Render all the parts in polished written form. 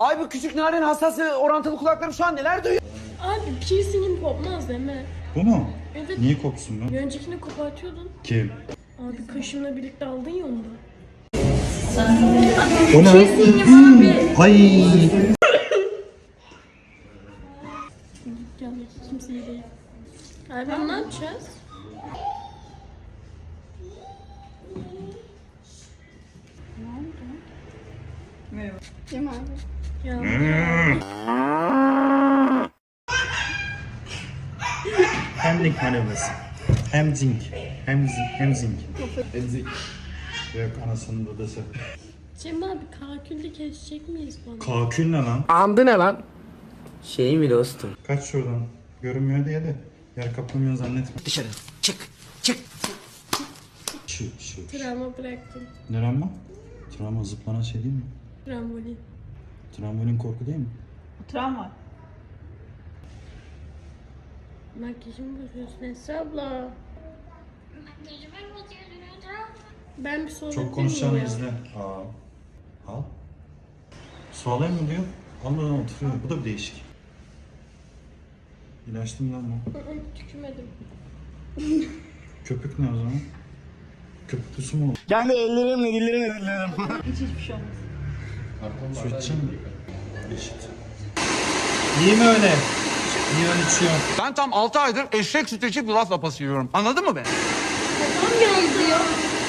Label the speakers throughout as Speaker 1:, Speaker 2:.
Speaker 1: Ay bu küçük narin hassas ve orantılı kulaklarım şu an neler duyuyor?
Speaker 2: Abi piercingin kopmaz değil mi?
Speaker 3: Bu mu?
Speaker 2: Evet.
Speaker 3: Niye kopsun bu?
Speaker 2: Bir öncekini kopartıyordun.
Speaker 3: Kim?
Speaker 2: Abi kaşımla birlikte aldın ya onu da.
Speaker 3: O ne?
Speaker 2: Piercingim abi.
Speaker 3: Ay.
Speaker 2: Gel kimse iyi değil. Abi ne yapacağız?
Speaker 4: Kim abi?
Speaker 2: Ya
Speaker 3: Hemling manevrası. Hemzing. Hemzing.
Speaker 1: Emzik.
Speaker 3: Yok anasının dadası.
Speaker 2: Cem abi kakülde kesecek miyiz bana?
Speaker 3: Kakül ne lan?
Speaker 1: Andı ne lan? Şey mi dostum?
Speaker 3: Kaç şuradan. Görünmüyor diye de yer kaplamıyor zannetme.
Speaker 1: Dışarı çık çık.
Speaker 3: Şu.
Speaker 2: Travma bıraktım.
Speaker 3: Ne lan bu? Travma zıplanan şey değil mi?
Speaker 2: Trambolin.
Speaker 3: Trambolin korku değil mi?
Speaker 4: Travma.
Speaker 2: Makyajımı bozuyorsun Esra abla. Ben bir sorabilir
Speaker 3: Çok
Speaker 2: miyim
Speaker 3: konuşacağını
Speaker 2: ya?
Speaker 3: izle. Al. Su alayım mı diyor. Almadan oturuyor. Bu da bir değişik. İlaçlı mı lan bu?
Speaker 2: Tükürmedim.
Speaker 3: Köpük ne o zaman? Köpüklü su mu olur?
Speaker 1: Kendi ellerimle dillerimle dillerim.
Speaker 4: Hiçbir şey olmaz.
Speaker 3: Su içecek mi? Eşit. İyi mi öyle? İyi öyle içiyor.
Speaker 5: Ben tam 6 aydır eşek sütü içip yulaf lapası yiyorum. Anladın mı beni?
Speaker 2: Babam geldi ya.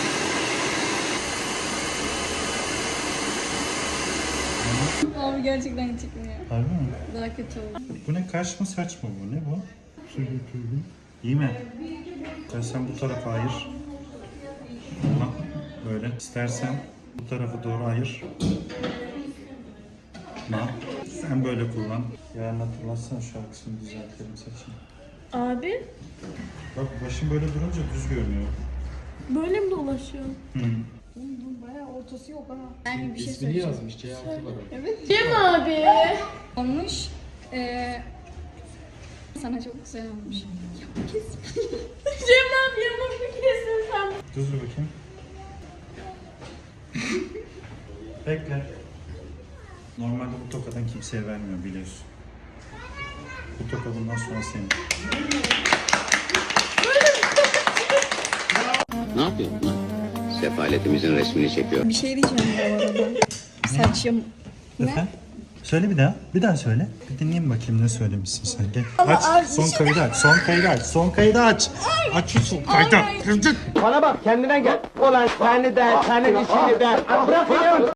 Speaker 4: Abi gerçekten çıkmıyor.
Speaker 3: Harbi mi?
Speaker 4: Daha kötü oldu.
Speaker 3: Bu ne kaş mı saç mı bu? Ne bu? İyi mi? İstersen bu tarafa ayır. Bak böyle. İstersen bu tarafa doğru ayır. Bak. Sen böyle kullan. Yarın hatırlatsana şu arkasını düzeltelim saçını.
Speaker 2: Abi
Speaker 3: Bak başım böyle durunca düz görünüyor.
Speaker 2: böyle mi dolaşıyorsun?
Speaker 4: Bayağı ortası yok ha. Ben bir şey
Speaker 1: İsmini
Speaker 4: söyleyeceğim.
Speaker 1: yazmış C6 var orada.
Speaker 2: Cem abi.
Speaker 4: Olmuş. Sana çok güzel olmuş.
Speaker 2: Cem abi yamuk bir kesin sen.
Speaker 3: Düz dur bakayım. Bekle. Normalde bu tokadan kimseye vermiyor biliyorsun. Bu toka bundan sonra senin.
Speaker 6: Ne yapıyorsun lan? Sefaletimizin resmini çekiyor.
Speaker 4: Bir şey diyeceğim bu arada. Saçım.
Speaker 3: Efendim? Söyle bir daha. Bir daha söyle. Bir dinleyeyim bakayım ne söylemişsin sen. Gel. Aç. Son kaydı aç. Son kaydı aç. Son kaydı aç. Aç şu son kaydı.
Speaker 1: Bana bak kendine gel. Olan seni de senin işini de. Bırak